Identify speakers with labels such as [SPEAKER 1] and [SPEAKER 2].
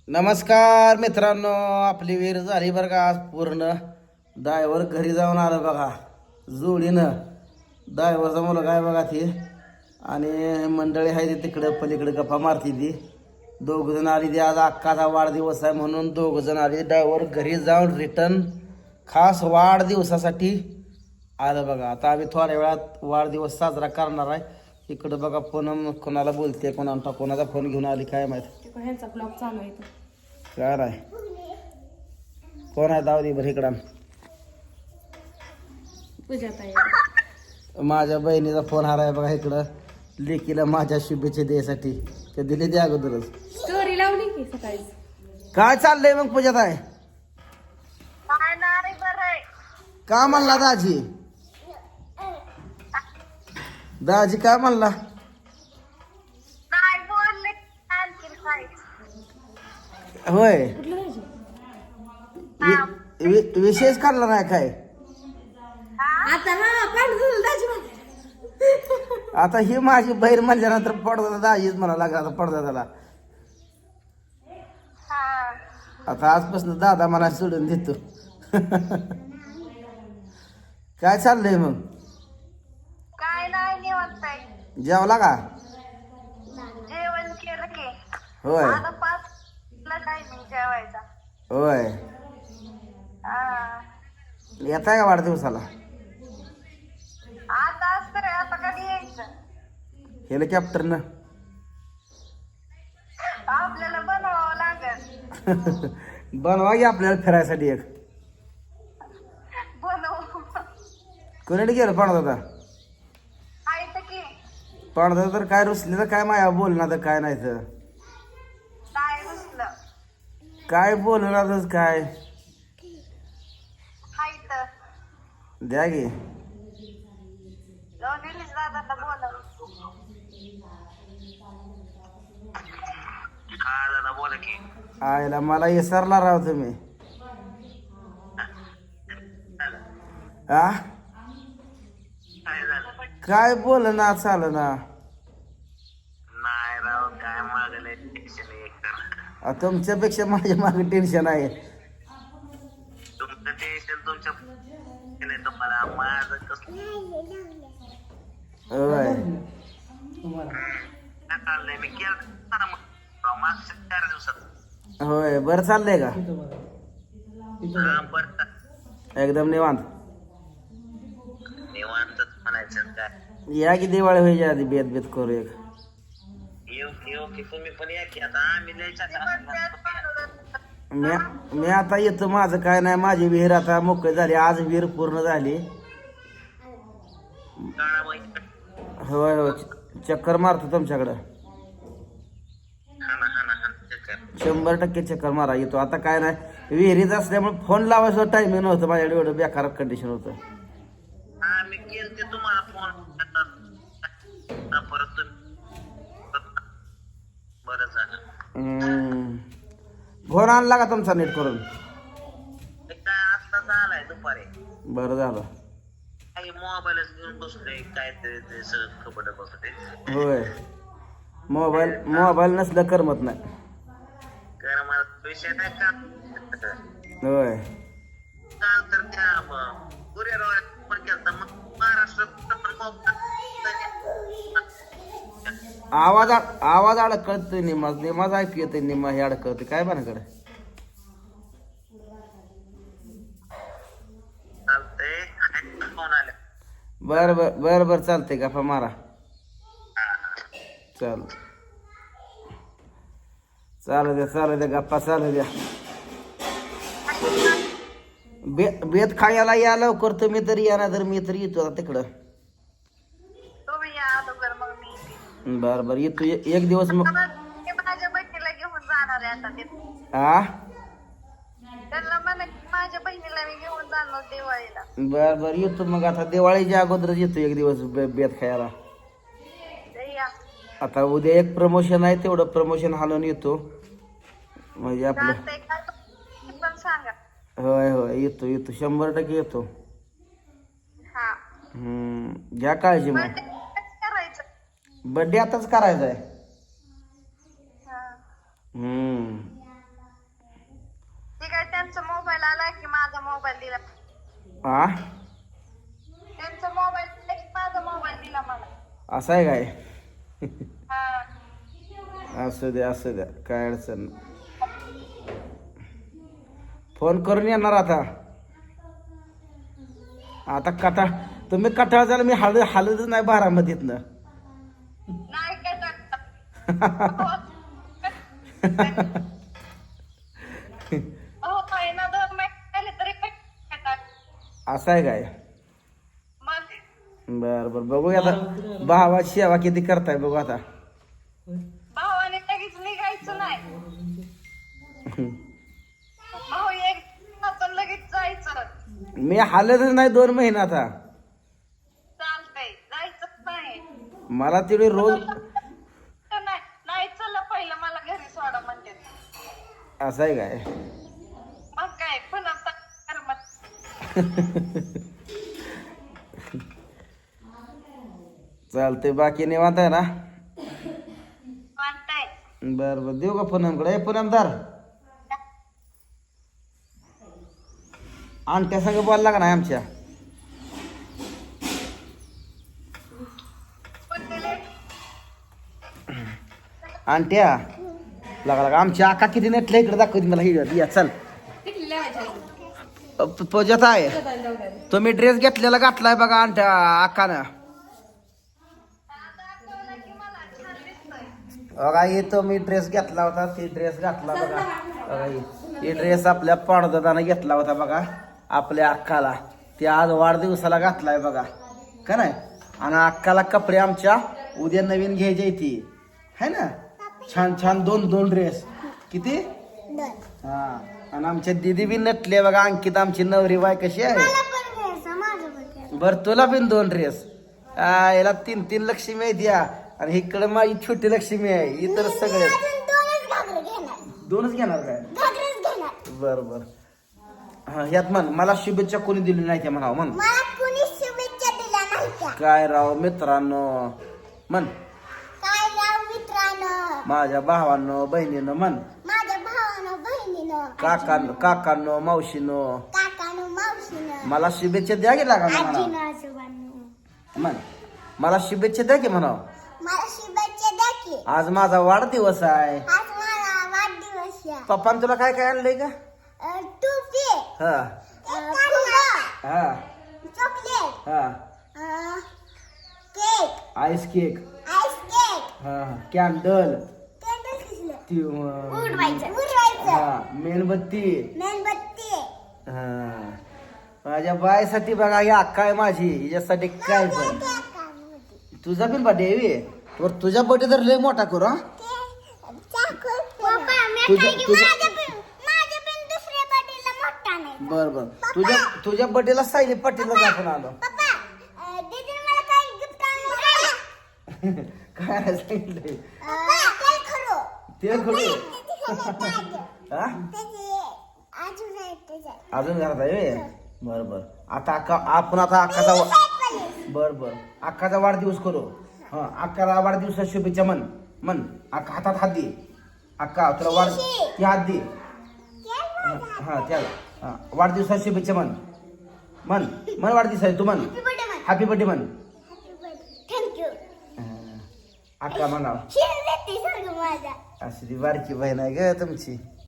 [SPEAKER 1] नमस्कार मित्रांनो, आपली विहीर झाली बरं का आज पूर्ण. ड्रायव्हर घरी जाऊन आलं बघा जोडीनं. ड्रायव्हरचा मुलगा आहे बघा ती, आणि मंडळी आहे ती तिकडं पलीकडे गप्पा मारती ती. दोघंजण आली ती, आज अक्काचा वाढदिवस आहे म्हणून दोघंजण आली. ड्रायव्हर घरी जाऊन रिटर्न खास वाढदिवसासाठी आलं बघा. आता आम्ही थोड्या वेळात वाढदिवस साजरा करणार आहे. इकडं बघा फोन कोणाला बोलते, कोणाचा फोन घेऊन आली काय माहित.
[SPEAKER 2] ह्यांचा ब्लॉग चालू आहे
[SPEAKER 1] काय नाही कोण आहे दावदी बरं इकडं.
[SPEAKER 2] पूजा ताई.
[SPEAKER 1] माझ्या बहिणीचा फोन हाराय बघा इकडं. लेकीला माझ्या शुभेच्छा द्यायसाठी ते दिले ते अगोदरच.
[SPEAKER 2] स्टोरी लावली की सकाळी.
[SPEAKER 1] काय चाललंय मग पूजात आहे का म्हणला दाजी? दाजी काय म्हणला? होय,
[SPEAKER 2] कुठलं राहायचं?
[SPEAKER 1] विशेष काढला नाही काय?
[SPEAKER 2] आता हा पांढर दाजी म्हणते.
[SPEAKER 1] आता ही माझी बहीण म्हणल्यानंतर पडदा दाजीच म्हणा लागला. आता पडदा त्याला आता आजपासून दादा मला सोडून देतो. काय चाललंय मग?
[SPEAKER 3] काय नाही निवांत आहे.
[SPEAKER 1] जेवला का?
[SPEAKER 3] जेवण केलं की
[SPEAKER 1] होय
[SPEAKER 3] आता 5 ला टायमिंग जेवायचा.
[SPEAKER 1] होय,
[SPEAKER 3] हा.
[SPEAKER 1] येताय का वाढदिवसाला?
[SPEAKER 3] आता असतं रे, आता कधी यायचं?
[SPEAKER 1] हेलिकॉप्टरनं.
[SPEAKER 3] आपल्याला बनवावं लागेल.
[SPEAKER 1] बनवा की आपल्याला फिरायसाठी एक.
[SPEAKER 3] बनवू.
[SPEAKER 1] कोणीकडे गेलं पाणदादा?
[SPEAKER 3] आहे तर की
[SPEAKER 1] पाणदादा तर काय रुसले तर काय माया बोलणार तर काय नाही तर
[SPEAKER 3] काय रुसलं
[SPEAKER 1] काय बोलणारच काय.
[SPEAKER 3] हाय तर
[SPEAKER 1] द्या गे
[SPEAKER 3] निलेश दादांना बोलव. हा दादा बोला की.
[SPEAKER 1] आयला मला विसरला राव तुम्ही. आ काय बोल ना चाल ना.
[SPEAKER 3] नाही राव, काय मागले टेन्शन एक.
[SPEAKER 1] तुमच्यापेक्षा माझ्या मागे टेन्शन आहे.
[SPEAKER 3] तुमचं टेन्शन तुमच्या नाही, तुम्हाला माझं कसं
[SPEAKER 1] होय
[SPEAKER 3] चाललंय. मी केलं मागच्या 4 दिवसात.
[SPEAKER 1] होय, बरं चाललंय का?
[SPEAKER 3] बरं
[SPEAKER 1] एकदम निवांत.
[SPEAKER 3] निवांतच म्हणायचं काय.
[SPEAKER 1] या की दिवाळी व्हायच्या आधी बेत बेत करू एक.
[SPEAKER 3] येऊ की तुम्ही पण या की. आता आम्ही
[SPEAKER 1] मी आता येतो. माझं काय नाही, माझी विहीर आता मोकळी झाली. आज विहीर पूर्ण झाली. होय होय, चक्कर मारतो तुमच्याकडं. 100% चक्कर मारा येतो. आता काय नाही, विहिरीत असल्यामुळे फोन लावायचं टायमिंग नव्हतं माझ्याकडे. एवढं बेकार कंडिशन होतं.
[SPEAKER 3] आम्ही केलते तुम्हाला फोन, परत बरं झालं.
[SPEAKER 1] फोन आणला का तुमचा नीट करून?
[SPEAKER 3] काय आत्ताच आलाय दुपारी.
[SPEAKER 1] बरं झालं.
[SPEAKER 3] काही मोबाईलच घेऊन बसलोय, काय ते सगळं खबर बसते.
[SPEAKER 1] होय, मोबाईल नसलं करमत नाही.
[SPEAKER 3] कारण मला पैसे नाही का.
[SPEAKER 1] होय,
[SPEAKER 3] काल तर त्या कुरिअर पण केलता. मग महाराष्ट्रात
[SPEAKER 1] आवाज अडकळतोय. निमाज ऐकू येतोय, निमा हे अडकळतोय. काय बनाकडे
[SPEAKER 3] चालतंय. फोन आले.
[SPEAKER 1] बर चालतंय. गप्पा मारा. चालू द्या गप्पा चालू द्या. बेत खायला या लवकर. तुम्ही तरी या ना, तर मी तरी येतो आता तिकडं.
[SPEAKER 3] तुम्ही या अगोदर, मग मी येते.
[SPEAKER 1] बर येतो एक दिवस मग.
[SPEAKER 3] मी माझ्या बहिणीला घेऊन जाणार आहे आता. ते
[SPEAKER 1] आ
[SPEAKER 3] त्यांना म्हणा माझ्या बहिणीला मी घेऊन जाणार दिवाळीला.
[SPEAKER 1] बर येतो मग. आता दिवाळीच्या अगोदरच येतो एक दिवस बेत खायला.
[SPEAKER 3] ते या.
[SPEAKER 1] आता उद्या एक प्रमोशन आहे, तेवढं प्रमोशन हालून येतो म्हणजे आपलं.
[SPEAKER 3] चालतंय का? तुम्ही पण सांगा.
[SPEAKER 1] होय येतो 100% येतो.
[SPEAKER 3] हा.
[SPEAKER 1] घ्या काळजी मग.
[SPEAKER 3] बर्थडे करायचं.
[SPEAKER 1] बर्थडे आताच करायचा आहे.
[SPEAKER 3] हा.
[SPEAKER 1] हा
[SPEAKER 4] त्यांचा मोबाईल माझा मोबाईल दिला मला.
[SPEAKER 1] असं आहे काय?
[SPEAKER 4] हा.
[SPEAKER 1] असू द्या असू द्या, काय अडचण नाही. फोन करून येणार आता. आता कटाळ तुम्ही कटाळ झाला, मी हालतच नाही बारामतीतनं.
[SPEAKER 4] नाही काय टाकतात. हो महिना 2 महिने झाले तरी काय टाकतात.
[SPEAKER 1] असं आहे काय?
[SPEAKER 4] मग
[SPEAKER 1] बर बर, बघू आता भावाची सेवा किती करताय बघू आता.
[SPEAKER 4] भावाने लगेच निघायचं नाही. भाऊ एक दिवसातून लगेच जायचं.
[SPEAKER 1] मी हालतच नाही 2 महिने आता.
[SPEAKER 4] चालतंय जायचंच नाही.
[SPEAKER 1] मला तेवढी रोज
[SPEAKER 4] नाही नाही चला पहिलं मला घरी सोडा म्हणते.
[SPEAKER 1] असं आहे काय?
[SPEAKER 4] मग काय पुन्हा कर्मात.
[SPEAKER 1] चालतंय, बाकी निवांत आहे ना?
[SPEAKER 4] म्हणताय
[SPEAKER 1] बर बर, देऊ का पुनमकडे? पुनमदार आणत्या संग बोलला का नाही आमच्या? आणत्या लगा आमच्या आका किती नेटल्या इकडे दाखवते मला. ही या चल.
[SPEAKER 2] किती लावायच्या आहेत?
[SPEAKER 1] पूजात आहे.
[SPEAKER 2] जाऊ द्या.
[SPEAKER 1] तुम्ही ड्रेस घेतलेला घातलाय बघा आणत्या आकानं. बघा हे तो मी ड्रेस घेतला होता, ते ड्रेस घातला बघा. बघा हे ड्रेस आपल्या पांडुदादानं घेतला होता बघा आपल्या अक्काला. ते आज वाढदिवसाला घातलाय बघा का नाही. आणि अक्काला कपडे आमच्या उद्या नवीन घ्यायचे ती है ना. छान छान 2 ड्रेस. किती? हा. आणि आमच्या दिदी बी नटले बघा. अंकित आमची नवरी बाय कशी आहे. बर तुला बिन 2 ड्रेस. याला 3 लक्ष्मी आहे द्या. आणि इकडे माझी छोटी लक्ष्मी आहे. इतर सगळे 2च घेणार काय? बर बर. हा यात म्हण मला शुभेच्छा कोणी दिली नाही त्या म्हणावं. म्हण काय राव मित्रांनो. म्हण माझ्या भावांनो बहिणीनं. म्हण काकांनो मावशीनो मला शुभेच्छा द्या की लागा म्हणा. म्हण मला शुभेच्छा द्या की म्हणावं. आज माझा वाढदिवस आहे. पप्पान तुला काय काय आणलंय का? हा हा हा. Ice cake. हा कॅन्डल. हा मेणबत्ती. हा माझ्या बायसाठी बघा ही अक्का आहे माझी. हिच्यासाठी काय पण. तुझा पण बर्थडे आहे. तुझ्या बर्थडे तर लय मोठा करू. हा बर बर. तुझ्या बर्थडेला सायली पाटीलला आपण आलो. काय सांगितलंय? तेल खडू. हा अजून घरात आहे. बर बर. आता आपण आता अक्काचा बर बर अक्काचा वाढदिवस करू. हा अक्काला वाढदिवसाच्या शुभेच्छा म्हण. म्हण अक्का हातात हात दे. अक्का तुला ती हात दे. हा त्याला हा वाढदिवसाच्या शुभेच्छा म्हण. म्हण म्हण वाढदिवस आहे तू. म्हण हॅपी बर्थडे म्हण. अक्का म्हणावं. अशी ती बारकी बहीण आहे ग तुमची.